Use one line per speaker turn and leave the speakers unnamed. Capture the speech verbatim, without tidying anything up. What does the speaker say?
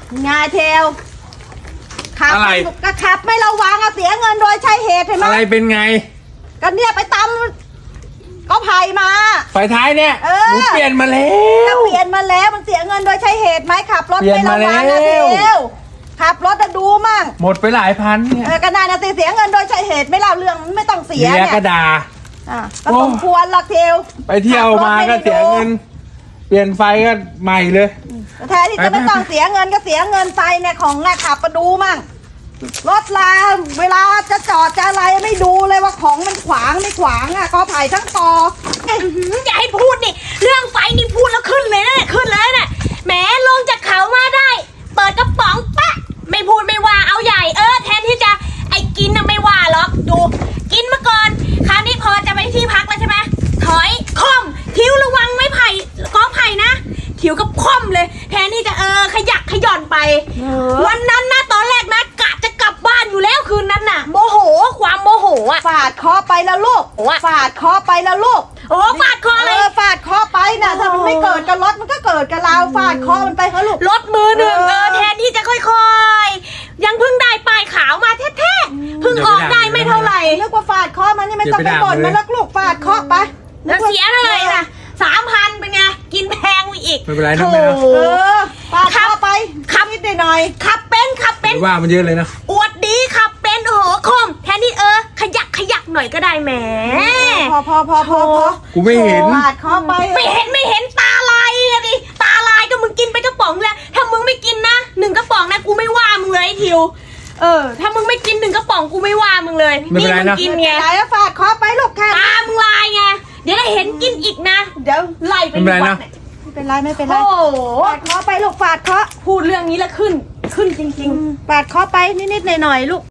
งาเทลขับ
อะไร
ก็ขับไม่ระวังอะเสียเงินโดยใช้เหตุเห็นไหม
อะไรเป็นไง
ก็เนี่ยไปตำก็ไผ่มา
ไฟท้ายเนี่ย
เออ
หนูเปลี่ยนมาแล้
ก็
ว
เปลี่ยนมาแล้วมันเสียเงินโดยใช้เหตุไหมขับรถ
เปลี่ย
ไม่
น
ระ
มา
วังอะ
แล้ว
เทลขับรถจะดูมั่ง
หมดไปหลายพันเนี่ย
เออก็นายนะสิเสียเงินโดยใช้เหตุไม่เล่าเรื่องไม่ต้องเสีย
เมีย
เนี่ย
ก็ด่า
อ่ะก็สมควรหรอกเทล
ไปเที่ยวมาก็เสียเงิน เปลี่ยนไฟก็ใหม่เลย
แทนที่จะไม่ต้องเสียเงินก็เสียเงินไปเนี่ยของน่ะขับมาดูมั่งรถลาเวลาจะจอดจะอะไรไม่ดูเลยว่าของมันขวางไม่ขวางอ่ะก็ไผ่ทั้งตอ
อย่าให้พูดนี่เรื่องไฟนี่พูดแล้วขึ้นเลยนะขึ้นเลยนะแหมลงจากเขามาได้ เปิดกระป๋องปะไม่พูดไม่ว่าเอาใหญ่เออแทนที่จะไอ้กินน่ะไม่ว่าหรอกดูกินมาก่อนคราวนี้พอจะไปที่พักแล้วใช่ไหมถอยคล่อมทิวระวังไม้ไผ่กอไผ่นะทิวกับคล่อมเลย แทนที่จะเออขยักขย่อนไป
เออ
วันนั้นนะตอนแรกนะกะจะกลับบ้านอยู่แล้วคืนนั้นน่ะโมโหความโมโหอ่ะ
ฟาดคอไปแล้วลูก
โอ้ย
ฟาดคอไปแล้วลูก
โอ้ฟาดคออะไร
เออฟาดคอไปน่ะถ้ามันไม่เกิดกับรถมันก็เกิดกับเราฟาดคอมันไปเขาลูก
รถมือหนึ่ง
เออ
เออแทนที่จะค่อยๆ ยังเพิ่งได้ป้ายขาวมาแท้ๆเพิ่งออกได้ไม่เท่าไหร่
นึกว่าฟาดคอมันนี่ไม่ต้องไปบ่นมันแล้วลูกฟาดคอไป
แล้วเสียเท่าไหร่ล่ะสามพันเป็นไงกินแพงไปอีก
ไม่เป็นไรนะ
โถ
แม่นะ
เออฟาดคอไป
ขับ
นิดหน่อย
ขับเป็นขับเป็น
ว่ามันเยอะเลยนะ
อวดดีขับเป็นโอ้โหคมแทนที่เออ ขยักขยักหน่อยก็ได้แหม
พอพอพอพอพอ
กูไม่เห็น
ฟาดคอไป
ไม่เห็นไม่เห็นตาลายอะดิตาลายก็มึงกินไปกระป๋องแล้วถ้ามึงไม่กินนะหนึ่งกระป๋องนะกูไม่ว่ามึงเลยไอ้ทิวเออ ถ้ามึงไม่กินหนึ่งกระป๋องกูไม่ว่ามึงเลย
ไม่เป็นไร
มึ
นะ
งกิน
ไม่
ไง
เป็นไรแล้วฟาดคอไปลูกแค่
ตามึงลายไงเดี๋ยวได้เห็นกินอีกนะ เดี๋ยวไล่ไป
ไม่เป็นไรนะ
วัดเย
ไม่เป็นไรไม่เป็นไร
โอ้โห
ฟาดคอไปลูกฟาดคอ
พูดเรื่องนี้แล้วขึ้นขึ้นจริง
ฟาดคอไปนิดๆหน่อยๆลูก